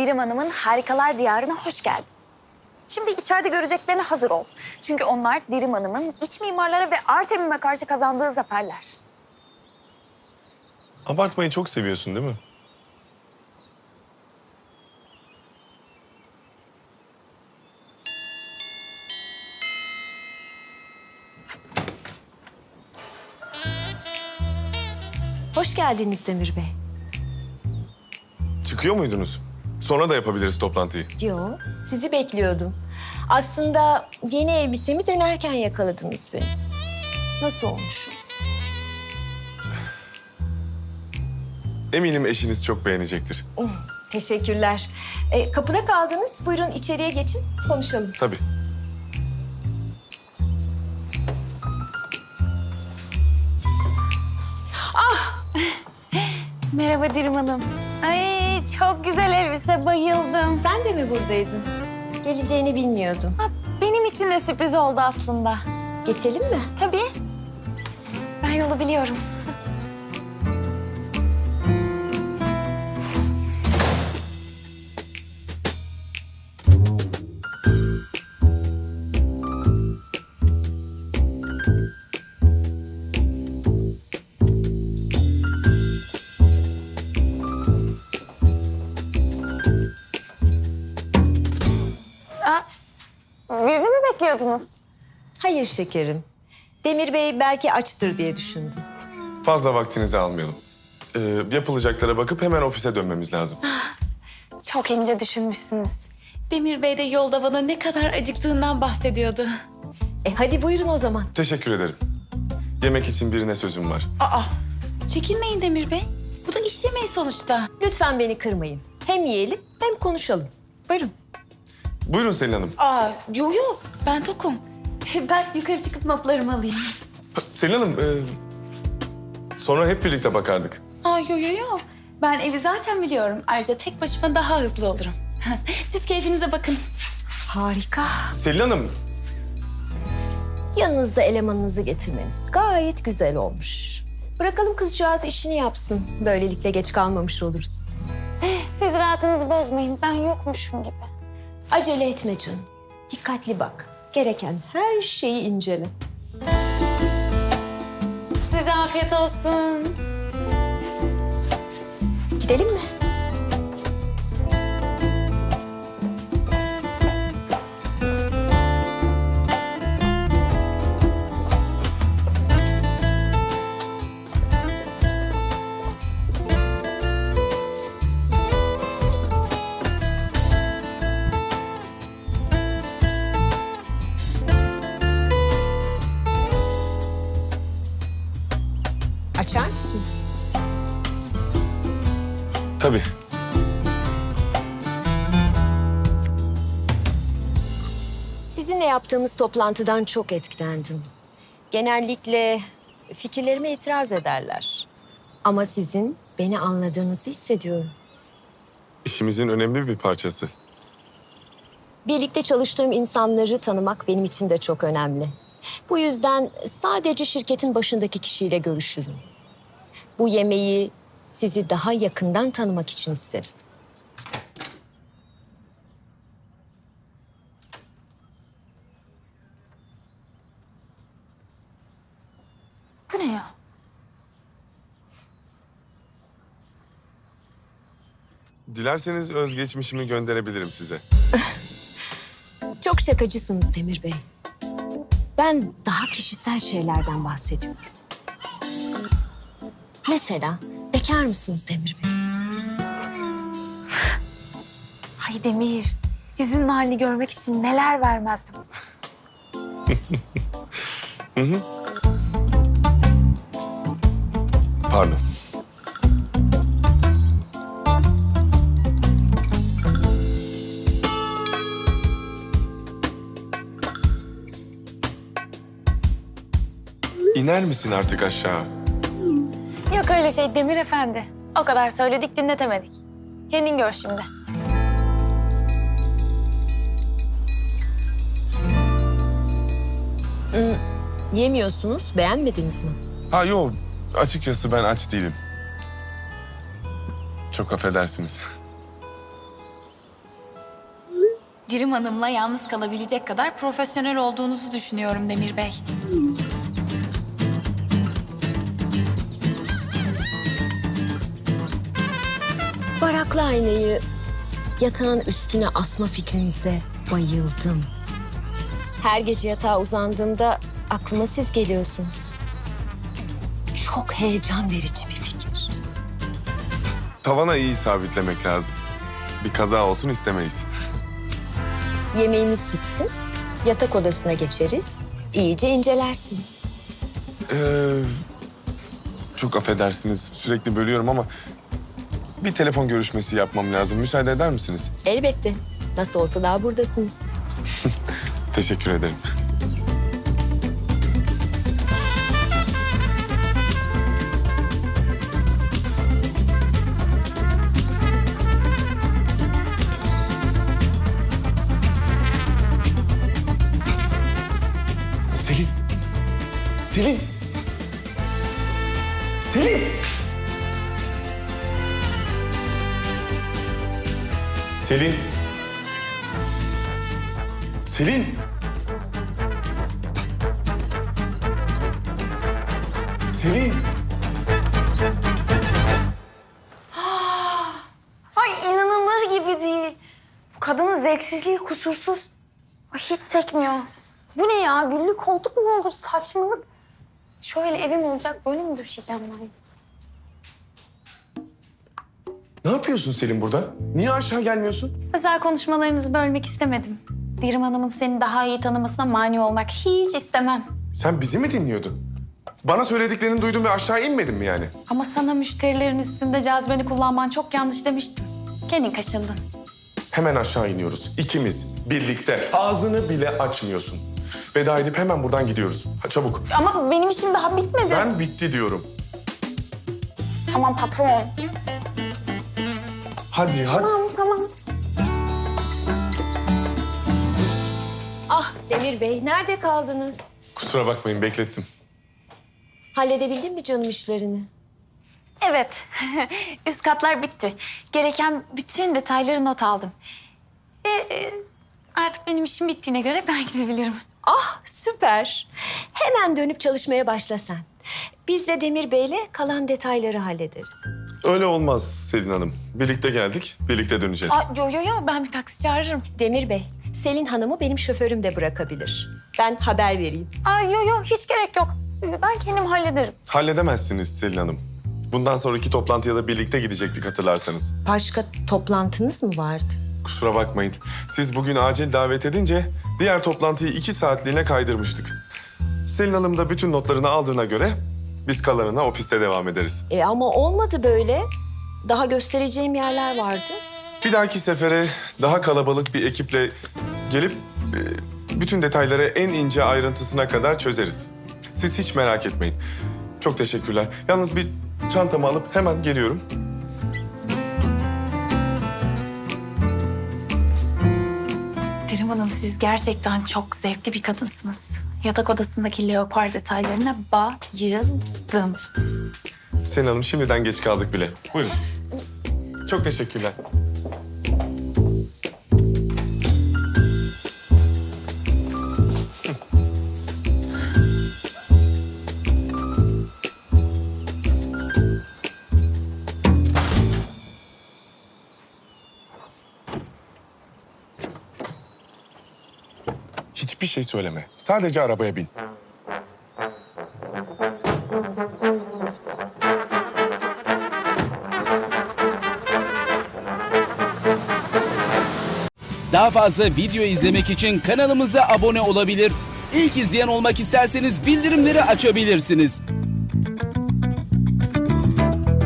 Dirim Hanım'ın Harikalar Diyarı'na hoş geldin. Şimdi içeride göreceklerine hazır ol. Çünkü onlar Dirim Hanım'ın iç mimarlara ve Artemim'e karşı kazandığı zaferler. Abartmayı çok seviyorsun değil mi? Hoş geldiniz Demir Bey. Çıkıyor muydunuz? Sonra da yapabiliriz toplantıyı. Yo, sizi bekliyordum. Aslında yeni elbisemi denerken yakaladınız beni. Nasıl olmuş? Eminim eşiniz çok beğenecektir. Teşekkürler. Kapıda kaldınız. Buyurun içeriye geçin, konuşalım. Tabii. Merhaba Dirim Hanım. Ay çok güzel elbise, bayıldım. Sen de mi buradaydın? Geleceğini bilmiyordum. Ha, benim için de sürpriz oldu aslında. Geçelim mi? Tabii. Ben yolu biliyorum. Birini mi bekliyordunuz? Hayır şekerim. Demir Bey belki açtır diye düşündüm. Fazla vaktinizi almayalım. Yapılacaklara bakıp hemen ofise dönmemiz lazım. Çok ince düşünmüşsünüz. Demir Bey de yolda bana ne kadar acıktığından bahsediyordu. Hadi buyurun o zaman. Teşekkür ederim. Yemek için birine sözüm var. Çekinmeyin Demir Bey. Bu da iş yemeği sonuçta. Lütfen beni kırmayın. Hem yiyelim hem konuşalım. Buyurun. Buyurun Selin Hanım. Yo. Ben tokum. Ben yukarı çıkıp notlarımı alayım. Selin Hanım, sonra hep birlikte bakardık. Yo. Ben evi zaten biliyorum. Ayrıca tek başıma daha hızlı olurum. Siz keyfinize bakın. Harika. Selin Hanım, Yanınızda elemanınızı getirmeniz gayet güzel olmuş. Bırakalım kızcağız işini yapsın. Böylelikle geç kalmamış oluruz. Siz rahatınızı bozmayın. Ben yokmuşum gibi. Acele etme canım. Dikkatli bak. Gereken her şeyi incele. Size afiyet olsun. Gidelim mi? Açar mısınız? tabii. Sizinle yaptığımız toplantıdan çok etkilendim. Genellikle fikirlerime itiraz ederler. Ama sizin beni anladığınızı hissediyorum. İşimizin önemli bir parçası. Birlikte çalıştığım insanları tanımak benim için de çok önemli. Bu yüzden sadece şirketin başındaki kişiyle görüşürüm. Bu yemeği sizi daha yakından tanımak için istedim. Bu ne ya? Dilerseniz özgeçmişimi gönderebilirim size. Çok şakacısınız Demir Bey. Ben daha kişisel şeylerden bahsediyorum. Mesela bekar mısınız Demir Bey? Ay Demir. Yüzünün halini görmek için neler vermezdim. Pardon. İner misin artık aşağı? Yok öyle şey Demir Efendi. O kadar söyledik dinletemedik. Kendin gör şimdi. Yemiyorsunuz, beğenmediniz mi? Ha yok, açıkçası ben aç değilim. Çok affedersiniz. Dirim Hanım'la yalnız kalabilecek kadar profesyonel olduğunuzu düşünüyorum Demir Bey. Varaklı aynayı yatağın üstüne asma fikrinize bayıldım. Her gece yatağa uzandığımda aklıma siz geliyorsunuz. Çok heyecan verici bir fikir. Tavana iyi sabitlemek lazım. Bir kaza olsun istemeyiz. Yemeğimiz bitsin, yatak odasına geçeriz, iyice incelersiniz. Çok affedersiniz, sürekli bölüyorum ama bir telefon görüşmesi yapmam lazım. Müsaade eder misiniz? Elbette. Nasıl olsa daha buradasınız. Teşekkür ederim. Selin! Selin! Selin! Selin! Selin! Selin! Ay inanılır gibi değil. Bu kadının zevksizliği kusursuz. Ay hiç sekmiyor. Bu ne ya? Güllü koltuk mu olur? Saçmalık. Şöyle evim olacak, böyle mi düşeceğim ben? Ne yapıyorsun Selin burada? Niye aşağı gelmiyorsun? Özel konuşmalarınızı bölmek istemedim. Dirim Hanım'ın seni daha iyi tanımasına mani olmak hiç istemem. Sen bizi mi dinliyordun? Bana söylediklerini duydum ve aşağı inmedin mi yani? Ama sana müşterilerin üstünde cazibeni kullanman çok yanlış demiştim. Kendin kaşındın. Hemen aşağı iniyoruz. İkimiz birlikte. Ağzını bile açmıyorsun. Veda edip hemen buradan gidiyoruz. Ha, çabuk. Ama benim işim daha bitmedi. Ben bitti diyorum. Tamam patron. Hadi hadi. Tamam. Ah Demir Bey, nerede kaldınız? Kusura bakmayın beklettim. Halledebildin mi canım işlerini? Evet. Üst katlar bitti. Gereken bütün detayları not aldım. Artık benim işim bittiğine göre ben gidebilirim. Ah süper. Hemen dönüp çalışmaya başla sen. Biz de Demir Bey'le kalan detayları hallederiz. Öyle olmaz Selin Hanım. Birlikte geldik, birlikte döneceğiz. Yo, ben bir taksi çağırırım. Demir Bey, Selin Hanım'ı benim şoförüm de bırakabilir. Ben haber vereyim. Yo, hiç gerek yok. Ben kendim hallederim. Halledemezsiniz Selin Hanım. Bundan sonraki toplantıya da birlikte gidecektik hatırlarsanız. Başka toplantınız mı vardı? Kusura bakmayın. Siz bugün acil davet edince diğer toplantıyı 2 saatliğine kaydırmıştık. Selin Hanım da bütün notlarını aldığına göre biz kalanına ofiste devam ederiz. Ama olmadı böyle. Daha göstereceğim yerler vardı. Bir dahaki sefere daha kalabalık bir ekiple gelip bütün detayları en ince ayrıntısına kadar çözeriz. Siz hiç merak etmeyin. Çok teşekkürler. Yalnız bir çantamı alıp hemen geliyorum. Dirim Hanım siz gerçekten çok zevkli bir kadınsınız. Yatak odasındaki leopar detaylarına bayıldım. Selin Hanım şimdiden geç kaldık bile. Buyurun. Çok teşekkürler. Hiçbir şey söyleme. Sadece arabaya bin. Daha fazla video izlemek için kanalımıza abone olabilir. İlk izleyen olmak isterseniz bildirimleri açabilirsiniz.